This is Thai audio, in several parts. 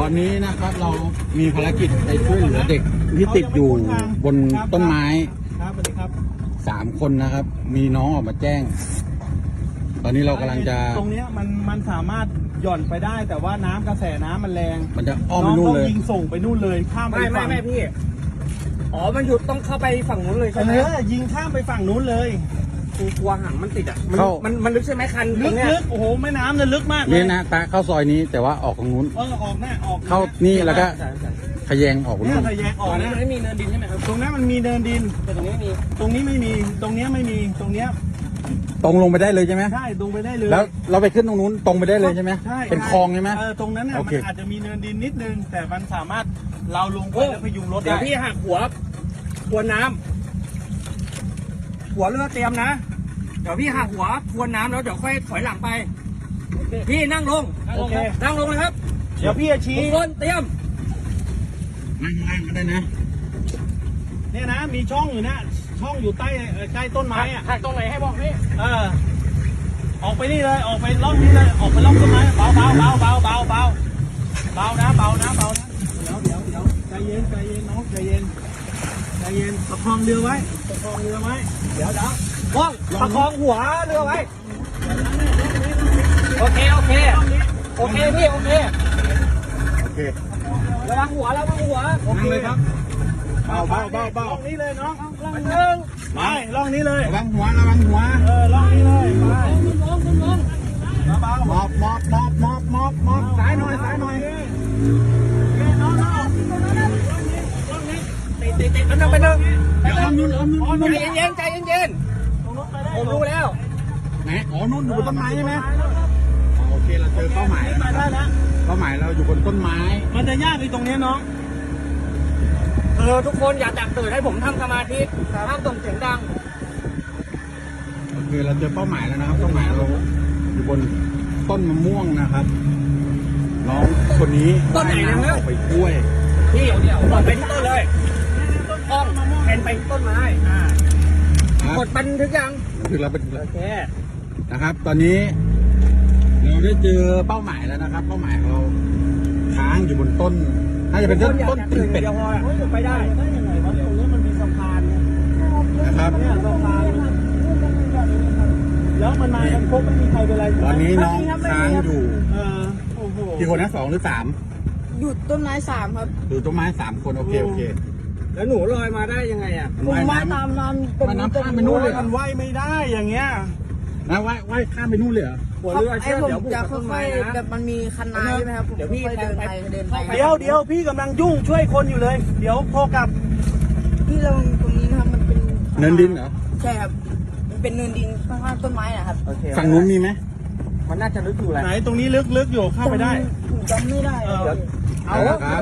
อนนี้นะครับเรามีภารกิจไปช่วยเหลือเด็กที่ติดอยู่บนต้นไม้ครับสวัสดีครับ 3 คนนะครับ มีน้องออกมาแจ้ง ตอนนี้เรากำลังจะตรงนี้มันสามารถหย่อนไปได้แต่ว่าน้ำกระแสน้ำมันแรงมันจะอ้อมไปนู่นเลยยิงส่งไปนู่นเลยข้ามไปฝั่งไม่พี่อ๋อมันหยุดต้องเข้าไปฝั่งนู้นเลยใช่ไหมยิงข้ามไปฝั่งนู้นเลยกูกลัวหางมันติดอ่ะมันลึกใช่ไหมคันลึกโอ้โหแม่น้ำเนี่ยลึกมากเลยนี่นะตาเข้าซอยนี้แต่ว่าออกตรงนู้นออกแน่ออกเข้านี่แล้วก็ขยงออกนู่นขยงออกนะไม่มีเนินดินใช่ไหมครับตรงนั้นมันมีเนินดินแต่ตรงนี้ไม่มีตรงนี้ไม่มีตรงนี้ไม่มีตรงนี้ตรงลงไปได้เลยใช่ไหมใช่ตรงไปได้เลยแล้วเราไปขึ้นตรงนู้นตรงไปได้เลยใช่ไหมใช่เป็นคลองใช่ไหมตรงนั้นมันอาจจะมีเนินดินนิดนึงแต่มันสามารถเราลงไปแล้วพยุงรถได้เดี๋ยวพี่หักหัวทวนน้ำหัวเรือเตรียมนะเดี๋ยวพี่หักหัวทวนน้ำแล้วเดี๋ยวค่อยถอยหลังไปพี่นั่งลงโอเคนั่งลงเลยครับเดี๋ยวพี่จะชี้ทุกคนเตรียมนั่งก็ได้นะเนี่ยนะมีช่องอยู่นะช่องอยู่ใต้ต้นไม้อ่ะหักตรงไหนให้บอกนี่ออกไปนี่เลยออกไปล่องนี้เลยออกไปล่องต้นไม้เบานะเบานะเดี๋ยวใจเย็นน้องใจเย็นประคองเรือไว้เดี๋ยวว่องประคองหัวเรือไว้โอเคพี่โอเคระวังหัวโอเคเลยครับเบาล่องนี้เลยน้องล่องล่องนี้เลยระวังหัวล่องนี้เลยไปเบามอบสายหน่อยน้องติดมันต้องไปนึงใจเย็นผมรู้แล้วไหนอ๋อนู่นอยู่บนต้นไม้ใช่ไหมโอเคเราเจอเป้าหมายแล้วเป้าหมายเราอยู่บนต้นไม้มันจะยากในตรงนี้น้องทุกคนอย่าแตกตื่นให้ผมทำสมาธิห้ามส่งเสียงดังโอเคเราเจอเป้าหมายแล้วนะครับเป้าหมายเราอยู่บนต้นมะม่วงนะครับน้องคนนี้ต้นไหนนะครับไปกล้วยพี่เดี๋ยวไปที่ต้นเลยต้นแทนไปต้นไม้กดบันทึกยังคือเราเป็นโอเคนะครับตอนนี้เราได้เจอเป้าหมายแล้วนะครับเป้าหมายเราค้างอยู่บนต้นน่าจะเป็นต้นตีนเป็ดไปได้ยังไงวะตรงนี้มันมีสะพานนะครับเนี่ยสะพานแล้วมันมากันครบไม่มีใครเป็นไรตอนนี้น้องค้างอยู่โอ้โหกี่คนนะ2 หรือ 3 อยู่ต้นไม้3ครับอยู่ต้นไม้3 คนโอเคแล้วหนูลอยมาได้ยังไงอ่ะผมว่ายตามน้ำข้ามไปนู่นเลยมันว่ายไม่ได้อย่างเงี้ยนะว่ายข้ามไปนู่นเลยเหรอไอ้ผมจะค่อยๆแบบมันมีคันนาใช่ไหมครับเดี๋ยวพี่เดินไปเดี๋ยวพี่กำลังยุ่งช่วยคนอยู่เลยเดี๋ยวโทรกลับพี่ลงตรงนี้นะครับมันเป็นเนินดินเหรอใช่ครับมันเป็นเนินดินข้างๆต้นไม้นะครับฝั่งนู้นมีไหมมันน่าจะลึกอยู่แหละไหนตรงนี้ลึกอยู่เข้าไปได้จำไม่ได้เอาครับ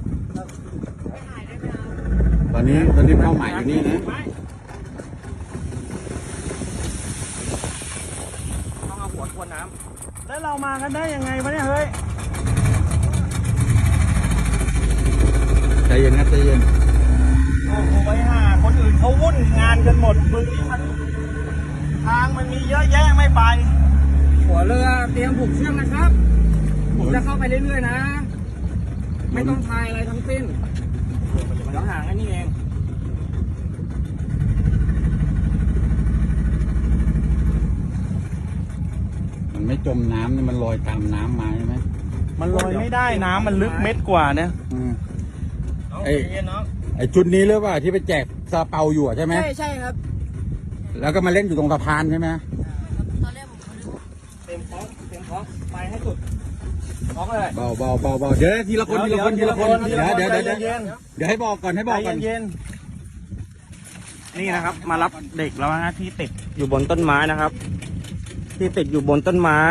ตอนนี้เป้าหมายอยู่นี่นะต้องเอาหัวทวนน้ำแล้วเรามากันได้ยังไงวะเนี่ยเฮ้ยใจเย็นนะใจเย็นโอ้โหไปหาคนอื่นเขาวุ่นงานกันหมดมึงทางมันมีเยอะแยะไม่ไปหัวเรือเตรียมผูกเชือกนะครับผมจะเข้าไปเรื่อยๆนะไม่ต้องทายอะไรทั้งสิ้นเดี๋ยวห่างแค่นี้เองมันไม่จมน้ำนี่มันลอยตามน้ำมาใช่ไหมมันลอยไม่ได้น้ำมันลึกเม็ดกว่าเนี่ยไอ้ชุดนี้หรือเปล่าที่ไปแจกซาเปาอยู่ใช่ไหมใช่ครับแล้วก็มาเล่นอยู่ตรงสะพานใช่ไหมตอนแรกผมเต็มท้องไปให้สุดท้องเลยเบาเดี๋ยวทีละคนเดี๋ยวให้บอกก่อนเย็นนี่นะครับมารับเด็กแล้วนะที่ติดอยู่บนต้นไม้นะครับที่ติดอยู่บนต้นไม้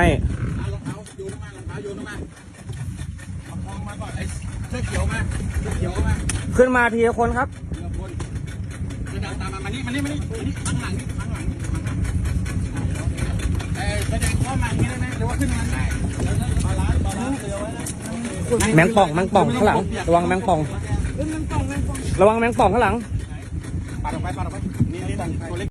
ขึ้นมาทีละคนครับตามมานี่ข้างหลังแสดงข้อมาอย่างนี้ได้ไหมหรือว่าขึ้นมาได้แมงป่องข้างหลังระวังแมงป่องระวังแมงป่องข้างหลังปาดออกไปนี่ตัวเล็ก